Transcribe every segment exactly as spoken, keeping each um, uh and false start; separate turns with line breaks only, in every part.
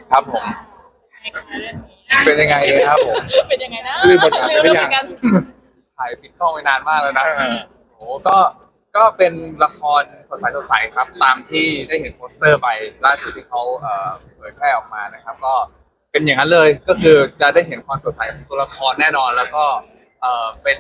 ครับผมเป็นยังไงครับผม
เป็นยังไงนะ
ลืมบทบาทไปหรือยัง
กัน
ถ่ายปิดกล้องไปนานมากแล้วนะโอ้ก็ก็เป็นละครสดใสสดใสครับตามที่ได้เห็นโปสเตอร์ไปล่าสุดที่เขาเอ่อเผยแพร่ออกมานะครับก็เป็นอย่างนั้นเลยก็คือจะได้เห็นความสดใสของตัวละครแน่นอนแล้วก็เอ่อเป็น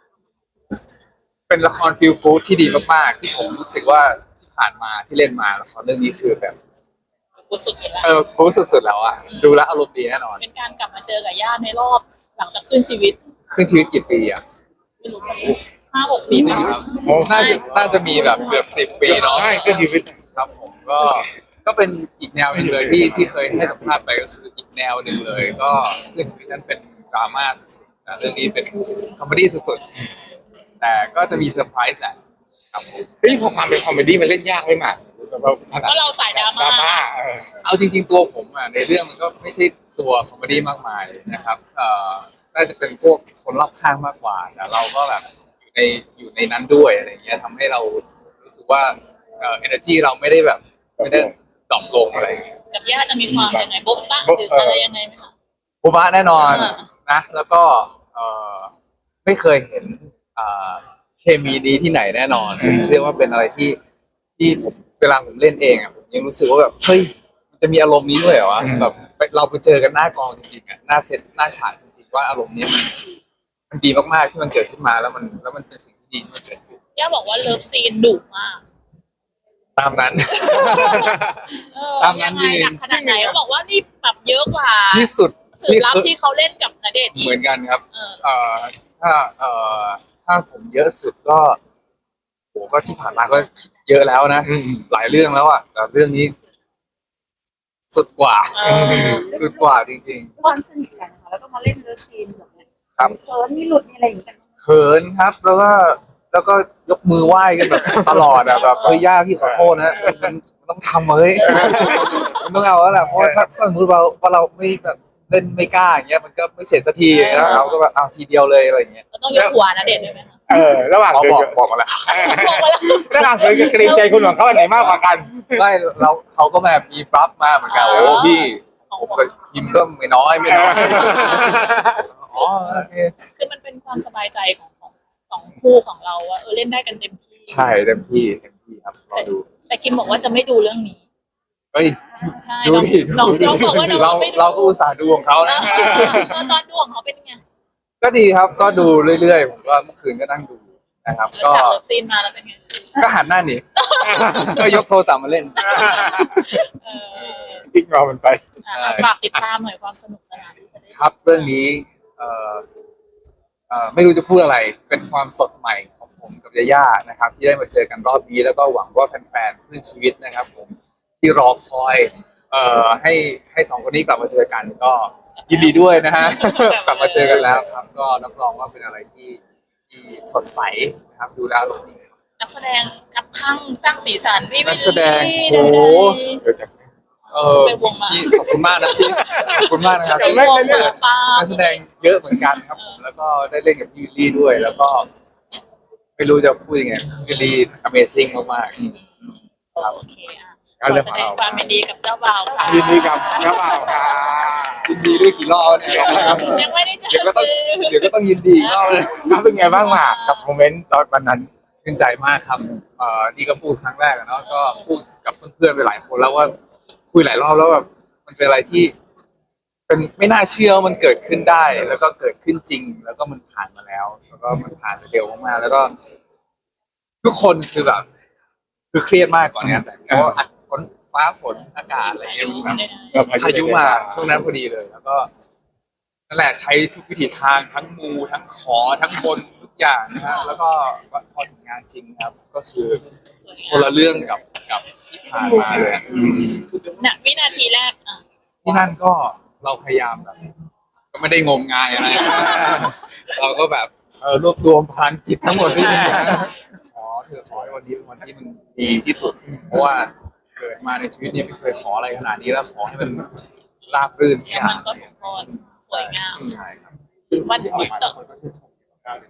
เป็นละครฟีลกู๊ดที่ดีมากๆที่ผมรู้สึกว่าที่ผ่านมาที่เล่นมาละครเรื่องนี้คือแบบ
กูสุดๆแล้ว
เออกู๊ดสุดๆแล้วอะดูแลวอารมณ์ดีแน่นอน
เป็นการกลับมาเจอกับญาติในรอบหลังจากขึ้นชีวิต
ขึ้นชีวิตกี่ปีอะ
ไม่รู้ห้าหกปีมั้ง
โอ้น่าจะน่าจะมีแบบเกือบสิบปีเนาะ
ใช่ขึ้นชีวิต
ครับผมก็ก็เป็นอีกแนวหนึงเลยที่ที่เคยให้สัมภาษณ์ไปก็คืออีกแนวหนึ่งเลย ก็ขึ้นชีวิตนั้นเป็นดราม่าสุดๆนะเรื่องนี้เป็นคอมเมดี้สุดๆแต่ก็จะมีเซอร์ไพรส์แหละครับผม
เฮ้ยพอความเป็นคอมเมดี้มันเล่นยากไหมหมากเราถนัด
ก็เราสายดรา
ด
ม่า
ราม่าเออ
เอาจริงๆตัวผมอ่ะในเรื่องมันก็ไม่ใช่ตัวคอมเมดี้มากมายนะครับเอ่อน่าจะเป็นพวกคนรอบข้างมากกว่าแต่เราก็แบบอยู่ในอยู่ในนั้นด้วยอะไรเงี้ยทำให้เรารู้สึกว่าเอ่อ energy เราไม่ได้แบบไม่ได้ดรอปลงอะไรเงี้ย
กับญาติจะมีความยังไงโบ๊ะบ้าหรืออะไรยังไงไหมคะ
โบบะแน่นอน
อ่า
นะแล้วก็เอ่อไม่เคยเห็นเอ่อเคมีดีที่ไหนแน่นอนเชื่อว่าเป็นอะไรที่ที่ผมเวลาผมเล่นเองอ่ะผมยังรู้สึกว่าแบบเฮ้ยมันจะมีอารมณ์นี้ด้วยเหรอวะแบบเราไปเจอกันหน้ากองจริงๆอ่ะหน้าเซตหน้าฉากจริงๆว่าอารมณ์นี้มันมันดีมากๆที่มันเกิดขึ้นมาแล้วมันแล้วมันเป็นสิ่งที่ดีที่มันเกิดขึ้น
ย่าบอกว่าเลิฟซีนดุมาก
ตามนั้น
เออ
ตามนั้
ยั
น
งไง
จริง
หนักขนาดไหนเขาบอกว่านี่แบบเยอะกว่า
ที่สุด
สืบลับที่เขาเล่นกับณเดชน์อีก
เหมือนกันครับ
เออ
เอ่อถ้าเอ่อถ้าผมเยอะสุดก็โหก็ที่ผ่านมาก็เยอะแล้วนะ
อืม
หลายเรื่องแล้วอ่ะแต่เรื่องนี้ สุดกว่า
เออ
สุดกว่าจริง
ความสนิทกันนะคะแล้วก็มาเล่นเลิฟซีนแบบนี้
ๆ ครับ
เขินมีหลุดมีอะไรอย่างเงี้ย
เขินครับ แล้วก็แล้วก็ยกมือไหว้กันแบบตลอดอ่ะแบบเฮ้ยย่าพี่ขอโทษนะมันมันต้องทำเฮ้ยมันต้องเอาแล้วแหละเพราะว่าถ้าสมมติเราว่าเราไม่แบบเล่นไม่กล้าอย่างเงี้ยมันก็ไม่เสร็จสักทีแล้วเราก็แบบเอาทีเดียวเลยอะไรอย่างเงี้ย
เราต้องยกหัวณเดชน์ด้วยไหมคะ
เออระหว่าง
เขา
เคย
บอก
กับ
บอกมาแล้ว
เออ
บอกมาแล้ว
ระหว่างเคยกับเกรงใจคุณหวังเขาอันไหนมากกว่ากัน
ไม่เราเขาก็แบบมีปรับมาเหมือนกันโอ้พี่ผมกับทีมก็ไม่น้อยไม่น้อยอ๋อโอเค
คือมันเป็นความสบายใจของของสองคู่ของเราว่าเออเล่นได้กันเต็มที่
ใช่เต็มที่เต็มที่ครับรอดู
แต่คิมบอกว่าจะไม่ดูเรื่องนี้
เฮ้ย
ใช่
ดู
น้อง
ดิ
น้องน้องบอกว่าน้อง
เรา
ไม่ดู
เราก็อุตส่าห์ดูของเขา
เอ
นะ
อเออตอนดูของเขาเป็นไง
ก็ดีครับก็ดูเรื่อยๆผมก็เมื่อคืนก็นั่งดูนะครับ
หลัง
ก็
จากเลิฟซีนมาแล้วเป็นไง
ก็หันหน้าหนีก็ยกโทรศัพท์มาเล่น
เออ
อีกรอมันไป
อ่ะฝากติดตามหน่อยความสนุกสนานที่จะได้
ครับเรื่องนี้เอ่อเอ่อไม่รู้จะพูดอะไรเป็นความสดใหม่ของผมกับยาย่านะครับ ที่ได้มาเจอกันรอบนี้แล้วก็หวังว่าแฟนๆเพื่อนชีวิตนะครับ ผมที่รอคอยเอ่อให้ให้สองคนนี้กลับมาเจอกันก็ยินดีด้วยนะฮะ กลับมาเจอกันแล้วครับ ก็รับรองว่าเป็นอะไรที่ที่สดใสนะครับดูแล้วอารมณ์ดี
นักแสดงกับข้างสร้างสีสันพี่วิลลี่
นักแสดงโอ้โห
เดี๋ยวจะ
เออ
ไปวงมา
พี่ขอบคุณมากนะพี่ขอบคุณมากนะครับ
ไปวงมาปลา
นักแสดงเยอะเหมือนกันครับผมแล้วก็ได้เล่นกับพี่วิลลี่ด้วย แล้วก็ ไม่รู้จะพูดยังไงพี่วิลลี่ Amazing มากๆ
โอเคอ่ะขอแสดงความยินดีกับเจ้าบ่าวค่ะ
ยินดีกับเจ้าบ่าวค่ะ
ยินดีด้วยกี่รอบเนี่ย
ยังไม่ได้เจ
เดี๋ยว
อ
ก็ต้อง
ซื้อ
เดี๋ยวก็ต้องยินดีอีกรอบเลย
รู้สึกไงบ้างหมากกับโมเมนต์ตอนวันนั้น
ชื่นใจมากครับเอ่อนี่ก็พูดครั้งแรกอะเนาะก็พูดกับเพื่อนๆไปหลายคนแล้วว่าคุยหลายรอบแล้วแบบมันเป็นอะไรที่ เป็นไม่น่าเชื่อว่ามันเกิดขึ้นได้ แล้วก็เกิดขึ้นจริง แล้วก็มันผ่านมาแล้ว แล้วก็มันผ่านไปเร็วมากๆแล้วก็ ทุกคนคือแบบ คือเครียดมากก่อนเนี้ยแต่เพราะว่าฝนฟ้าฝนอากาศอะไรอย่างเงี้ยแบบ
เออ
พายุมาช่วงนั้นพอดีเลย แล้วก็นั่นแหละใช้ทุกวิถีทางทั้งมูทั้งขอทั้งบนทุกอย่างนะฮะแล้วก็พอถึงงานจริงครับ ก็คือ
สวย
คน
งาม
ละเรื่องกับกับที่ผ่านมาเลยอะอืม
น่ะวินาทีแรกอ่ะ
ที่นั่นก็เราพยายามแบบ ก็ไม่ได้งมงายอะไร เราก็แบบเออรวบรวมพลังจิตทั้งหมดที่มีขอเธอขอให้วันนี้เป็นวันที่มันดีที่สุด เพราะว่าเกิดมาในชีวิตนี้ไม่เคยขออะไรขนาดนี้แล้วขอให้มันราบรื่นทุก
แล้ว
อย่า
มั
ง
นก็สมพรสวยงาม
ใช่ครับ
วันนี้ต่อ
ค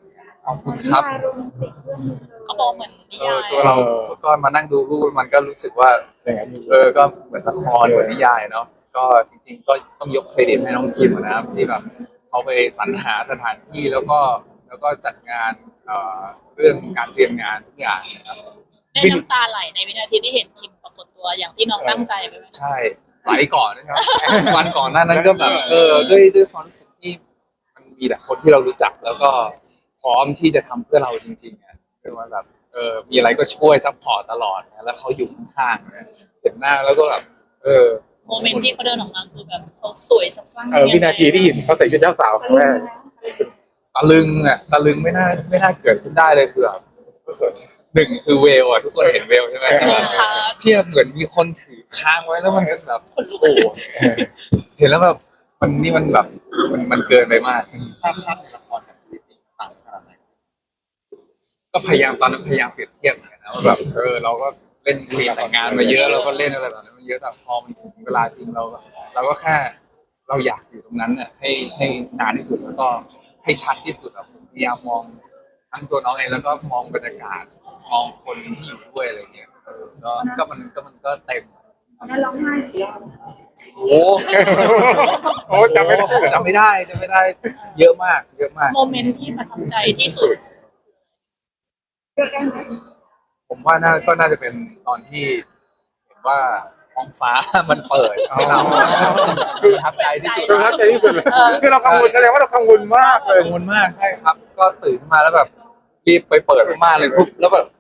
ขอบคุณครับ
นิยายโรแมนติกเรื่องนึงเลย
เขาบอกเหมือนนิาย
เออยตัวเราก็มานั่งดูรูปมันก็รู้สึกว่า
อย่างนั้นอยู่
เออก็เหมือนละครเหมือนนิยายเนาะก็จริงๆก็ต้องยกเครดิตให้น้องคิมนะครับที่แบบเขาไปสรรหาสถานที่แล้วก็แล้วก็จัดงานเอ่อเรื่องการเตรียมงานทุกอย่างนะครับ
ได้น้ำตาไหลในวินาทีที่เห็นคิมปรากฏตัวอย่างที่น้องตั้งใจไปไหม
ใช่ไหลก่อนนะครับ วันก่อนหน้านั้นก็แบบเออด้วยด้วยความรู้สึกที่มันมีแต่คนที่เรารู้จักแล้วก็พร้อมที่จะทำเพื่อเราจริงๆอ่ะคือว่าแบบเออมีอะไรก็ช่วยซัพพอร์ตตลอดนะแล้วเขาอยู่ข้างๆนะเห็นหน้าแล้วก็แบบเออ
โมเมนต์ที่เขาเดินออกมาคือแบบเขาสวยสักฟั่ง
เออวินาทีที่เห็นเขาใส่ชุดเจ้าสาวครั้งแรก
ตะลึงอ่ะตะลึงไม่น่าไม่น่าเกิดขึ้นได้เลยคือแบบหนึ่งคือเวลอ่ะทุกคนเห็นเวลใช่ไหม
เออ
เที่เหมือนมีคนถือค้างไว้แล้วมันก็แบบโอ้โหเห็นแล้วแบบมันนี่มันแบบมันมันเกินไปมาก
ภาพภาพในละครกับชีวิตจริงต่างขนาดไหน
ก็พยายามตอนนั้นพยายามเปรียบเทียบเหมือนกันนะว่าแบบเออเราก็เล่นซีนแต่งงานมาเยอะเราก็เล่นอะไรแบบนั้นมาเยอะแต่พอมันถึงเวลาจริงเราก็เราก็แค่เราอยากอยู่ตรงนั้นน่ะให้ให้นานที่สุดแล้วก็ให้ชัดที่สุดอะผมพยายามมองทั้งตัวน้องเองแล้วก็มองบรรยากาศมองคนที่อยู่ด้วยอะไรเงี้ยเออก็ก็มันก็มันก็เต็ม
นั่นร้องไห้กี่รอบ
โอ้
โอ้จำไม่ได้
จำไม่ได้จำไม่ได้เยอะมาก เยอะมาก
โมเมนต์ที่ประทับใจที่สุด
เลือกได้ไหม
ผมว่าน่าก็น่าจะเป็นตอนที่เห็นว่าท้องฟ้า มันเปิดให้เราคือประทับใจที่สุด
ประทับใจที่สุดเลยคือเรากังวลแสดงว่าเรากังวลมากเลย
กังวลมากใช่ครับ ก็ตื่นขึ้นมาแล้วแบบรีบไปเปิดม่านเลยปุ๊บแล้วแบบ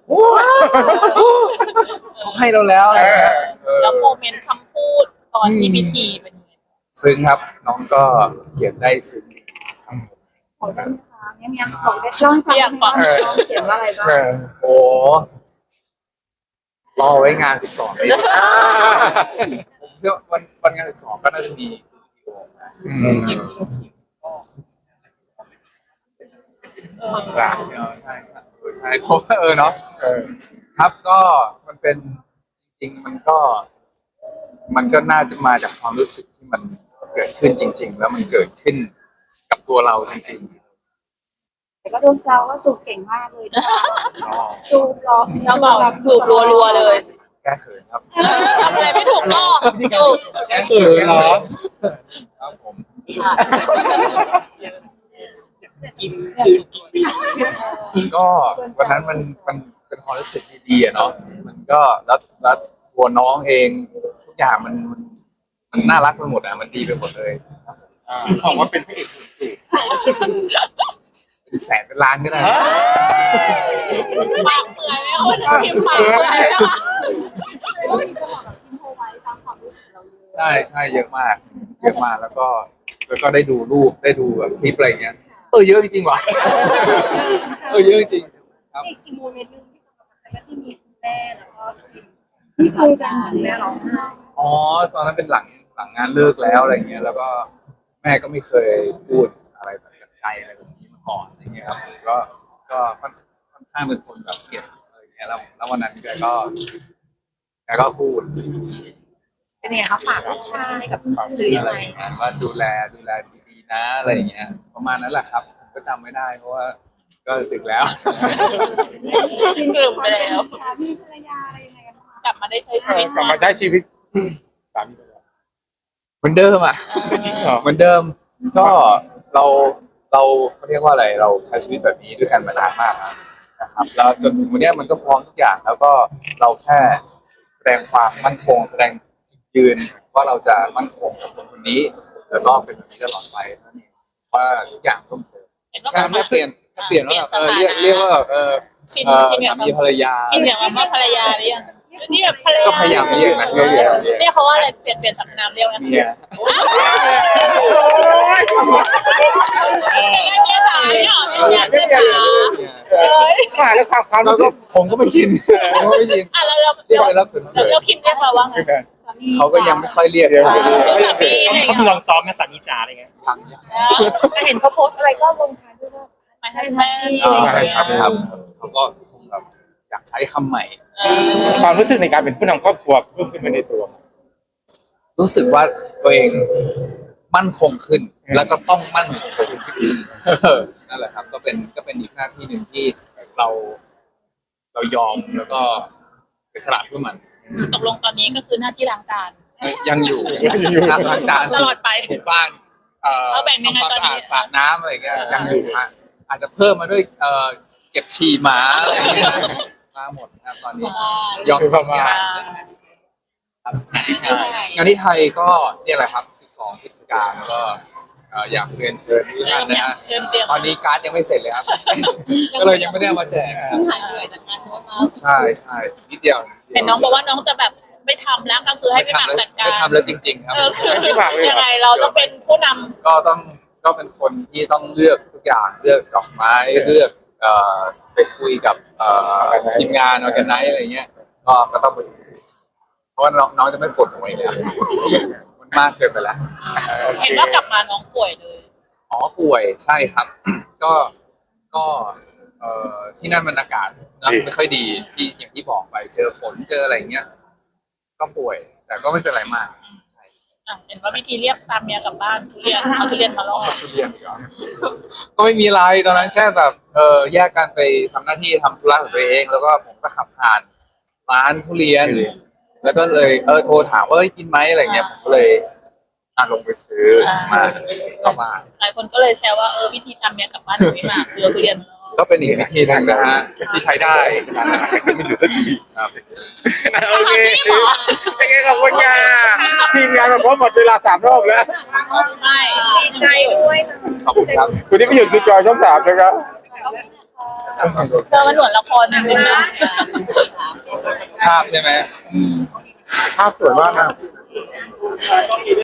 เขาให้เราแล้วอะไรเงี้ยเออ
แล้วโมเมนต์คำพูดตอนที่พิธีเป็นยังไง
ซึ้งครับ น้องก็เขียนได้ซึ้ง
ขอได้ไหมคะเนี่ยมีขอได้ร้องฟังได้ไหมคะน้องเขียนว่าอะไรบ้าง
เออ
โอ้รอไว้งานสิบสองเลย
อ่า
ผมเชื่อว่าวันวันงานสิบสองก็น่าจะมีวิดีโอนะ
อืม
ยินดีกับคิมก็
เออ
ใช่ใช่ครับเออใช่ผมว่าเออเนาะ
เออ
ครับก็มันเป็นจริงๆมันก็ มันก็น่าจะมาจากความรู้สึกที่มันเกิดขึ้นจริง ๆ แล้วมันเกิดขึ้นกับตัวเราจริง
แต่ก็โดนแซวว่าจูบเก่งมากเลยนะคะ
ๆอ๋อ
จูบรอ
เจ้าบ่าวจูบรัวๆเลย
แก้เขินครับ
ทำอะไรไม่ถูกก็จูบ
แก้เขินเหรอครับผม
กินคือกิน
ก็วันนั้นมันมันเป็นความรู้สึกดีๆอะเนาะมันก็แล้วแล้วตัวน้องเองทุกอย่างมันมันมันน่ารักไปหมดอ่ะมันดีไปหมดเลย
ของว่าเป็นพระเอกหุ่นสูง
เป็นแสนเป็นล้านก็ได้
ปากเปื่อยไหมคนคิมปากเปื่อยไหมคะ
ว่ามีจังหวะกับพิมโพไว้ตามความรู้สึกเราเลย
ใช่ใช่เยอะมาก เยอะมากแล้วก็แล้วก็ได้ดูรูปได้ดูแบบคลิปอะไรอย่างเงี้ยเออเยอะจริงๆว่ะเออเยอะจริงๆครับ
อีกอีกโมเมนต์หนึงที่ประทับใจก็ที่มีคุณแม่แล้วก็พิมที่คุยกันเหมือนแม่ร้องไห้
อ๋อตอนนั้นเป็นหลังหลังงานเลิกแล้วอะไรเงี้ยแล้วก็แม่ก็ไม่เคยพูดอะไรแบบจากใจอะไรแบบนี้มาก่อนอะไรเงี้ยครับก็ก็ค่อนค่อนข้างเป็นคนแบบเก็บอะไรเงี้ยแล้วแล้ววันนั้นแกก็แกก็พูด
เป็นไงคะฝากลูกชายกับหรือยัง
อะไร
ไง
อย่างเงี้ยว่าดูแลดูแลดีๆนะอะไรอย่างเงี้ยประมาณนั้นแหละครับผมก็จำไม่ได้เพราะว่าก็ดึกแล้ว
กลืมไปแล้ว
สามีภรรยาอะไรยังไงกันบ้าง
กลับมาได้ใช้ชีวิต
กลับมาใช้ชีวิตสามีภรรยา
เหมือนเดิมอ่ะ
จริงเหรอ
เหมือนเดิมก็เราเราเขาเรียกว่าอะไรเราใช้ชีวิตแบบนี้ด้วยกันมานานมากแล้วนะครับ แล้วจนถึงวันเนี้ยมันก็พร้อมทุกอย่าง แล้วก็เราแค่แสดงความมั่นคง แสดงจุดยืนว่าเราจะมั่นคงกับคนคนนี้ แล้วก็เป็นแบบนี้ตลอดไปนั่นเองว่าทุกอย่างต้องเปลี่ยน
เห็นว่า
แค่เปลี่ยนแค่เปลี่ยนว่าแบบเออเรียกเรียกว่าแบบเออ
ชิน
เออ
ชินอย่าง
สามีภรรยา
ชินอย่างว่าภรรยาหรือยังนี่แบบภรรยา
ก็พยายามเรียกนะเรียกเรียกเรียก
เรียกเขาว่าอะไรเปลี่ยนเปลี่ยนสรรพนามเรียกไหม
เมีย
เป็นไงเมียจ๋าเนี่ยเหรอเป็นไงเมียจ๋าเฮ้ย
มาแล้วความความ
เรา
รู้
ก็
สึก
ผมก็ไม่ชินผมก็ไม่ชิน
อ่ะแล้วแล้ว
เรียกไปแล้วเขิน
แล้วคิมเรียกเราว่าไง
เขาก็ยังไม่ค่อยเรียกเลย
อ่าคือสามีอะไร
เขา
เงี้
มี
ย
ลองซ้อมไหมสามีจ๋าอะไรเงี้ย
ยังยัง
แต่เห็นเขาโพสต์อะไรก็ลงท้ายด้วยว่า
ไม่ฮัสแมน
อ่าครับครับเขาก็คงแบบอยากใช้คำใหม่
เออ
ความรู้สึกในการเป็นผู้นำครอบครัวเพิ่มขึ้นมาในตัว
รู้สึกว่าตัวเองมั่นคงขึ้น แล้วก็ต้องมั่นคงขึ้นเออนั่นแหละครับ ก็เป็นก็เป็นอีกหน้าที่หนึ่งที่เรา เรายอมแล้วก็เสียสละเพื่อมัน
ตกลงตอนนี้ก็คือหน้าที่ล้างจาน
ยังอยู่ล้างล้างจาน
ตลอดไป
ถูบ้านเอ่อ
เอาแบ่งยังไง
ทำความ
ตอน
สะ
นี้
อาดสระน้ำอะไรเงี้ยยังอยู่ฮะอาจจะเพิ่มมาด้วยเอ่อเก็บฉี่หมาอะไรเงี้ยมาหมดครับตอนนี้ยอมประมาณงานที่ไทยก็เนี่ยแหละครับสิบสองพฤศจิกายนก็เอ่ออยากเรียนเชิญทุก
เริ่
ท่าน
ม
นะ
เนี่ย
ฮะ
เริ่มเตรียม
ตอนนี้การ์ดยังไม่เสร็จเลยครับ ก็เลยยังไม่ได้เอามาแจก
เพิ่งหายเหนื่อยจากงานโน้ตมา
ใช่ใช่นิดเดียว
เห็นน้องบอกว่าน้องจะแบบไม่ทำแล้วก็คือให้พี่หมากจัดการ
ไม่ทำแล้วจริง ๆ ครับ
เออ
พี่หมากเลยเหรอ
ยังไงเราต้องเป็นผู้นำ
ก็ต้องก็เป็นคนที่ต้องเลือกทุกอย่างเลือกดอกไม้เลือกเอ่อไปคุยกับเอ่อทีมงานออแกไนซ์อะไรเงี้ยก็ก็ต้องไปเพราะว่าน้องน้องจะไม่ปวดหัวอีกแล้วมันมากเกินไปแล้ว
เห็นว่ากลับมาน้องป่วยเลย
อ๋อป่วยใช่ครับ ก็ก็เอ่อที่นั่นมันอากาศนะไม่ค่อยดีที่อย่างที่บอกไปเจอฝนเจออะไรเงี้ยก็ป่วย แต่ก็ไม่เป็นไรมาก
อ่ะเห็นว่าวิธีเรียกตามเมียกลับบ้านทุเรียนเอาทุเรียนมาล่อ
ทุเรียนอีกเหรอก็ไม่มีอะไรตอนนั้นแค่แบบเออแยกกันไปทำหน้าที่ทำธุระของตัวเอง แล้วก็ผมก็ขับผ่านร้านทุเรียน แล้วก็เลยเออโทรถามว่าเอ้ยกินไหมอะไรเงี้ยผมก็เลยอ่ะลงไปซื้อมาเข้ามา
หลายคนก็เลยแซวว่าเออวิธีตามเมียกลับบ้านของพี่หมากคือเอาทุเรียนมาล่อ
ก็เป็นอีกวิธีหนึ่งนะฮะที่ใช้ได้ครับ
โอเคโอเคขอบคุณค่ะทีมงานมาพร้อมหมดเวลาสามรอบแล้ว
ไม่ดีใจด้วย
ขอบคุณครับ
คุณที่ไม่หยุดคือจอยช่องสามนะครับ
เธอมันเหมือนละครจริงๆนะ
ภาพใช่ไหม
ภาพสวยมากนะ